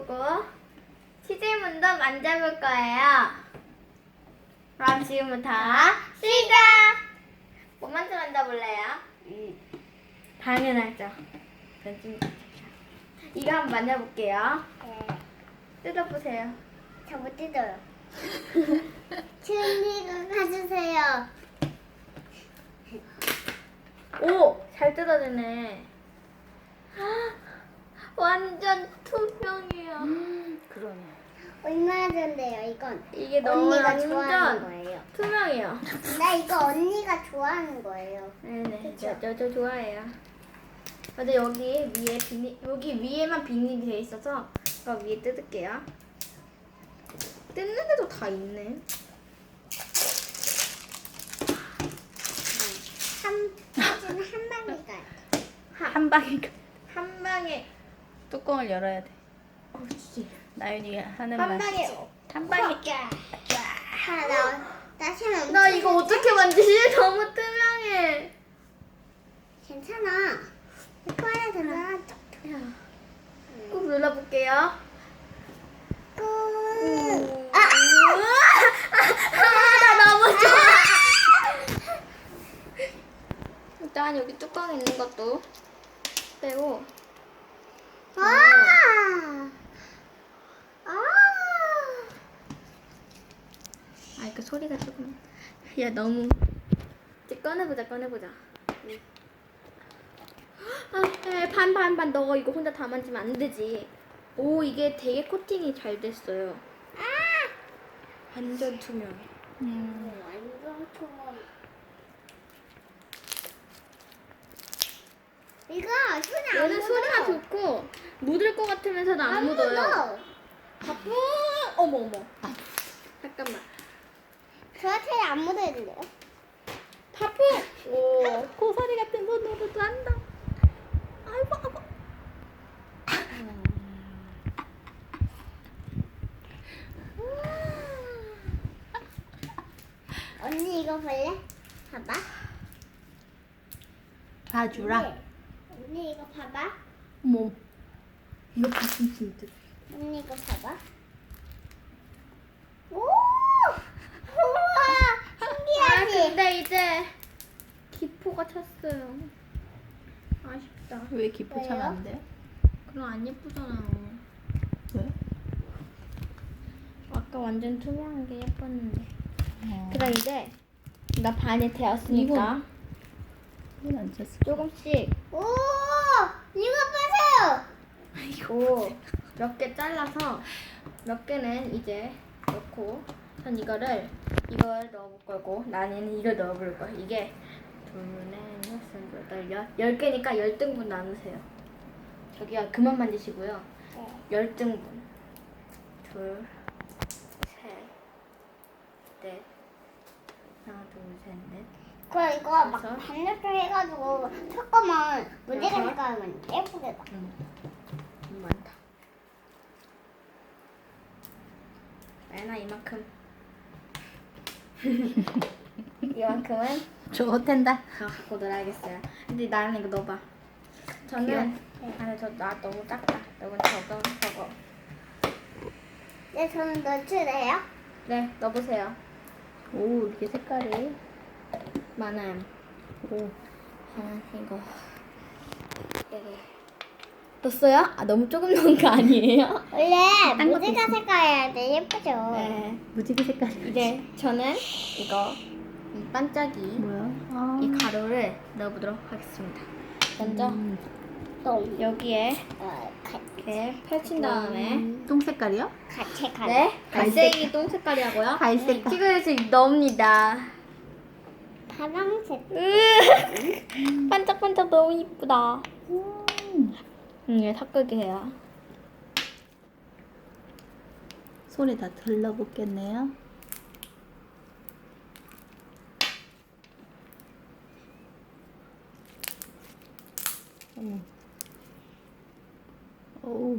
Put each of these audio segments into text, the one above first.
만져보고 치즈문도 만져볼 거예요. 그럼 지금부터 시작! 뭐 먼저 만져볼래요? 당연하죠. 이거 한번 만져볼게요. 뜯어보세요. 저 못 뜯어요. 칠리가 가주세요. 오! 잘 뜯어지네. 완전 투명해요. 그러네. 얼마나 좋은데요, 이건? 이게 너무 언니가 좋아하는 완전 거예요. 투명해요. 나 이거 언니가 좋아하는 거예요. 네네. 그쵸? 저 좋아해요. 근데 여기 위에 여기 위에만 비닐이 돼 있어서 이거 위에 뜯을게요. 뜯는데도 다 있네. 사진은 한 방에 가요. 한 방에 한 방에 뚜껑을 열어야 돼. 그렇지. 나윤이가 하는 한 말. 방에 한 방에. 다시 한번. 나 이거 어떻게 만지지? 너무 투명해. 괜찮아. 이거 하나 더 넣어. 꾹 눌러볼게요. 꾹. 나 너무 좋아. 일단 여기 뚜껑 있는 것도 빼고. 아, 이거 소리가 조금. 야, 너무. 이제 꺼내보자. 아, 반. 너 이거 혼자 다 만지면 안 되지. 오, 이게 되게 코팅이 잘 됐어요. 완전 투명해. 완전 초범. 이거 손에 안 얘는 소리가 묻어. 좋고, 묻을 것 같으면서도 안 묻어요. 바쁘. 어머. 잠깐만. 저한테 안 묻어야 돼요. 바쁘. 오, 고사리 같은 손으로도 한다. 아이고. 언니 이거 볼래? 봐봐. 봐주라. 언니 이거 봐봐. 어머. 이거 봤으면 진짜. 언니 이거 봐봐. 오! 우와! 아, 신기하지? 근데 이제 기포가 찼어요. 아쉽다. 왜 기포 차면 왜요? 안 돼? 그럼 안 예쁘잖아요. 왜? 아까 완전 투명한 게 예뻤는데. 어. 그럼 이제 나 반이 되었으니까 이건 안 찼어. 조금씩 오! 이거 보세요! 오, 몇 개 잘라서 몇 개는 이제 넣고 전 이걸 넣어볼 거고 나는 이걸 넣어볼 거야. 이게 둘, 넷, 여섯, 여덟, 10개니까 10등분 나누세요. 저기요, 그만 만드시고요. 10등분. 둘, 셋, 넷, 하나, 둘, 셋, 넷. 그럼 이거 막 그래서? 반죽을 해가지고 섞으면 무대가 여섯? 색깔만 예쁘게 나. 너무 많다. 나연아, 이만큼. 이만큼은 저거 텐다. 저 갖고 놀아야겠어요. 근데 나는 이거 넣어봐. 저는 아니 나 너무 작다. 이건 저거. 네, 저는 넣어주래요. 네, 넣어보세요. 오, 이렇게 색깔이. 많아요. 오. 이거 여기 넣었어요? 아, 너무 조금 넣은 거 아니에요? 원래 딴 것도 무지가 있어. 색깔이야 돼 예쁘죠? 네. 무지개 색깔이. 이제 저는 이거 이 반짝이 뭐야? 아. 이 가루를 넣어보도록 하겠습니다. 먼저 똥. 여기에 같이 이렇게 펼친 다음에 똥 색깔이요? 가. 네, 갈색이 똥 색깔이라고요? 갈색. 튀겨서 넣습니다. 파랑색. 반짝반짝 너무 이쁘다. 이게 섞게 해요. 손에 다 들러붙겠네요. 오.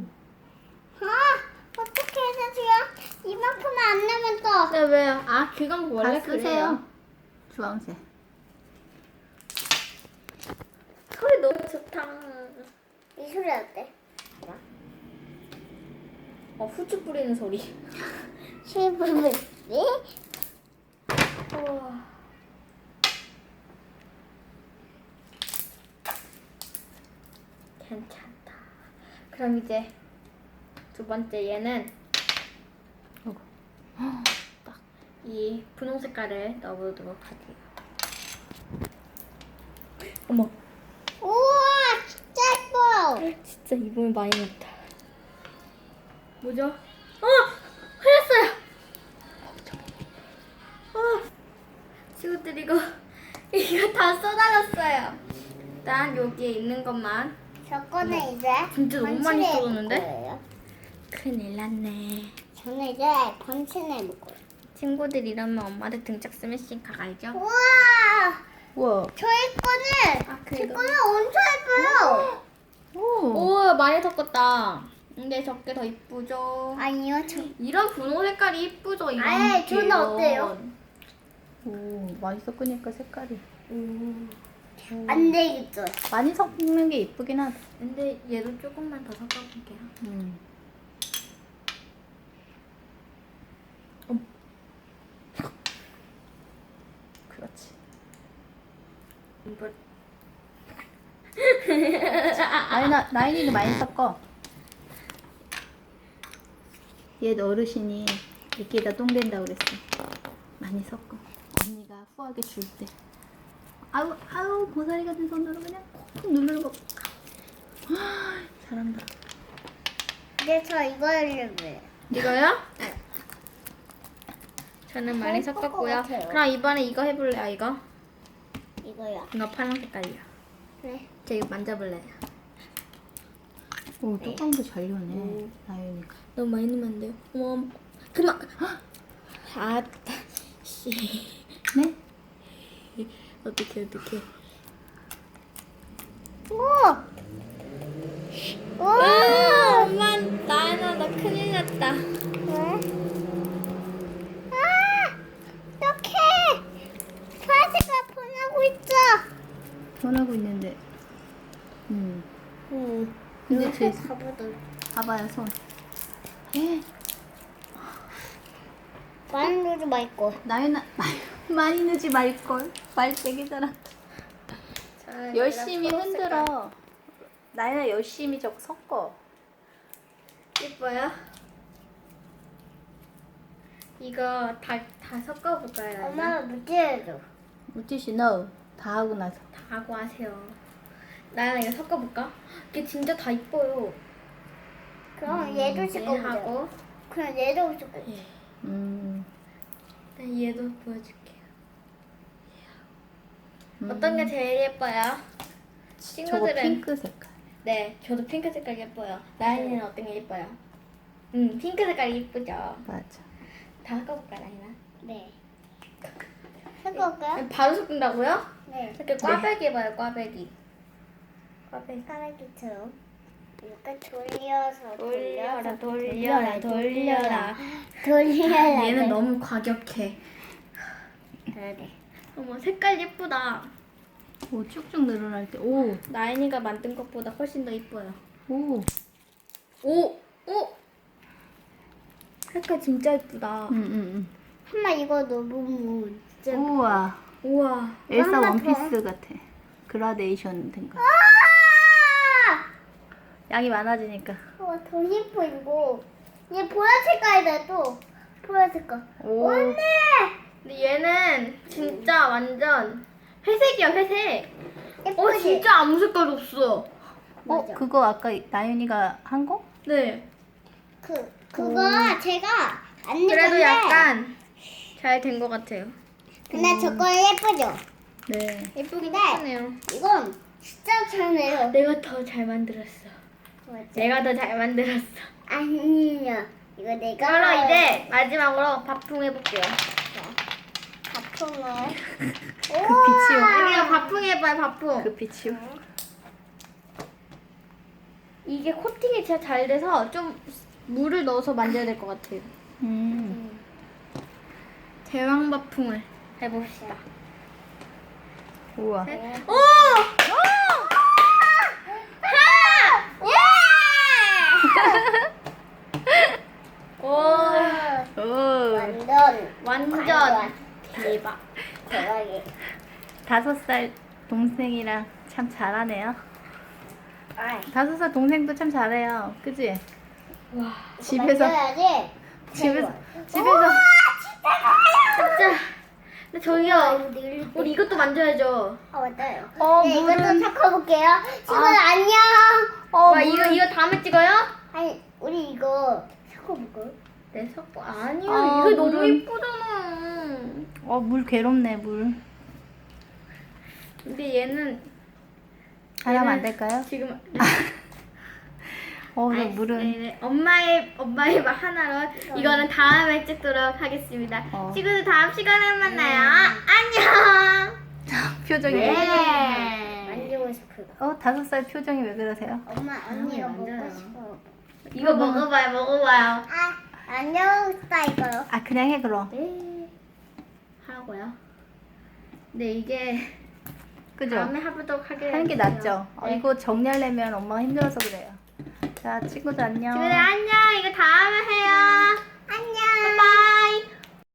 어떻게 해서 지금 이만큼만 안 나면 또. 네, 왜요? 아, 그건 원래 다 그래요. 쓰세요. 주황색. 소리 너무 좋다. 이 소리 어때? 후추 뿌리는 소리. 실버블. 우와. 괜찮다. 그럼 이제 두 번째 얘는 딱 이 분홍 색깔을 넣어보도록 할게요. 어머, 우와, 진짜 예뻐. 진짜 이번에 많이 넣었다. 뭐죠? 흘렸어요. 친구들 이거 다 쏟아졌어요. 일단 여기에 있는 것만. 저거는 이제 진짜 너무 많이 번칠해 쏟았는데? 볼 거예요. 큰일 났네. 저는 이제 번칠해 볼 거예요. 친구들 이러면 엄마를 등짝 스매싱 가가야죠. 우와, 우와. 저희 거는 아, 제 그래도. 거는 엄청 예뻐요. 오. 오, 많이 섞었다. 근데 적게 더 이쁘죠? 아니요, 이런 분홍 색깔이 이쁘죠? 이런 아예, 저는 계열. 어때요? 오, 많이 섞으니까 색깔이. 안 되겠죠. 많이 섞는 게 이쁘긴 하다. 근데 얘도 조금만 더 섞어볼게요. 그렇지. 이거 나인이도 많이 섞어. 옛 어르신이 이렇게다 똥 된다고 그랬어. 많이 섞어. 언니가 후하게 줄 때. 아우 고사리 같은 손으로 그냥 콕콕 누르는 거. 잘한다. 이제 저 이거 하려고요. 이거요? 저는 많이 예쁠 것 섞었고요. 같아요. 그럼 이번에 이거 해볼래요? 이거? 이거요. 이거 파란 색깔이요. 네. 저 이거 만져볼래요? 오 뚜껑도 잘 여네. 나윤이가. 너무 많이 넣으면 안 돼요. 어머, 그만. 아따, 씨. 네? 어떡해. 오! 오! 엄마, 나 큰일 났다. 왜? 아! 어떡해! 파스가 보내고 있어! 변하고 있는데. 근데 이렇게 제 가보도 봐봐요 손. 많이 넣지 말고. 나윤아 많이 넣지 말걸. 말 되게 잘한다. 열심히 흔들어. 나윤아 열심히 저거 섞어. 예뻐요? 이거 다 섞어볼까요? 엄마가 무지해줘. 물티슈 넣어. 다 하고 나서. 다 하고 하세요. 나연아 이거 섞어볼까? 이게 진짜 다 이뻐요. 그럼 얘도 네, 씻고 보자. 하고 그럼 얘도 씻고. 일단 얘도 보여줄게요. 어떤 게 제일 예뻐요? 저거 친구들은 핑크 색깔. 네, 저도 핑크 색깔 예뻐요. 나연이는 어떤 게 예뻐요? 핑크 색깔이 예쁘죠. 맞아. 다 섞어볼까 나연아? 네. 섞을까요? 바로 섞는다고요? 네. 이렇게 꽈배기 해봐요, 꽈배기. 까마귀처럼 이렇게 돌려서 돌려라. 돌려라. 얘는 너무 과격해. 그래. 어머, 색깔 예쁘다. 오 쭉쭉 늘어날 때. 오. 나연이가 만든 것보다 훨씬 더 예뻐요. 오. 오! 색깔 진짜 예쁘다. 엄마 이거 너무 진짜. 우와. 우와. 엘사 하나 원피스 같아. 그라데이션 된 거. 양이 많아지니까. 더 예뻐 이거. 얘 보라 색깔이다 또. 보라 색깔. 오. 언니. 근데 얘는 진짜 완전 회색이야, 회색. 예쁘지? 진짜 아무 색깔 없어. 맞아. 그거 아까 나윤이가 한 거? 네. 그거 제가 안 그래도 입었는데. 약간 잘 된 것 같아요. 근데 저거 예쁘죠? 네. 예쁘긴 네. 예쁘네요. 이건 진짜 잘 내요. 내가 더 잘 만들었어. 내가 더 잘 만들었어. 아니요. 이거 내가. 그럼 이제 마지막으로 밥풍 해볼게요. 바풍을. 그 빛이요. 여기가 밥풍 해봐요, 밥풍. 그 빛이요. 이게 코팅이 진짜 잘 돼서 좀 물을 넣어서 만져야 될 것 같아요. 대왕 밥풍을 해봅시다. 우와. 오! 오! 하! 예! 완전 대박. 대박이. 5살 동생이랑 참 잘하네요. 아이. 5살 동생도 참 잘해요. 그지? 와, 집에서 만져야지. 집에서 진짜. 근데 저기요, 우리 이것도 만져야죠. 아 맞아요. 물은- 네, 이것도 섞어볼게요. 친구 안녕. 와, 이거 다음에 찍어요? 아니 우리 이거 섞어볼까요? 네, 섞어. 아니요, 아, 이거 너무 물은- 이쁘잖아. 물 괴롭네, 물. 근데 얘는 하나면 안 될까요? 지금 저 아이, 물은 네, 엄마의 말 하나로 이거는 다음에 찍도록 하겠습니다. 친구들 다음 시간에 만나요. 안녕. 표정이 네. 만지고 싶어요. 5살 표정이 왜 그러세요? 엄마 언니가 만져요. 먹고 싶어. 이거 먹어봐요. 아 안녕 스타일까요? 아, 그냥 해, 그럼. 네. 하고요. 근데 이게 그죠? 다음에 해보도록 하겠습니다. 하는 게 낫죠? 네. 이거 정리하려면 엄마가 힘들어서 그래요. 자, 친구들 안녕. 친구들 안녕. 이거 다음에 해요. 안녕. 바이바이.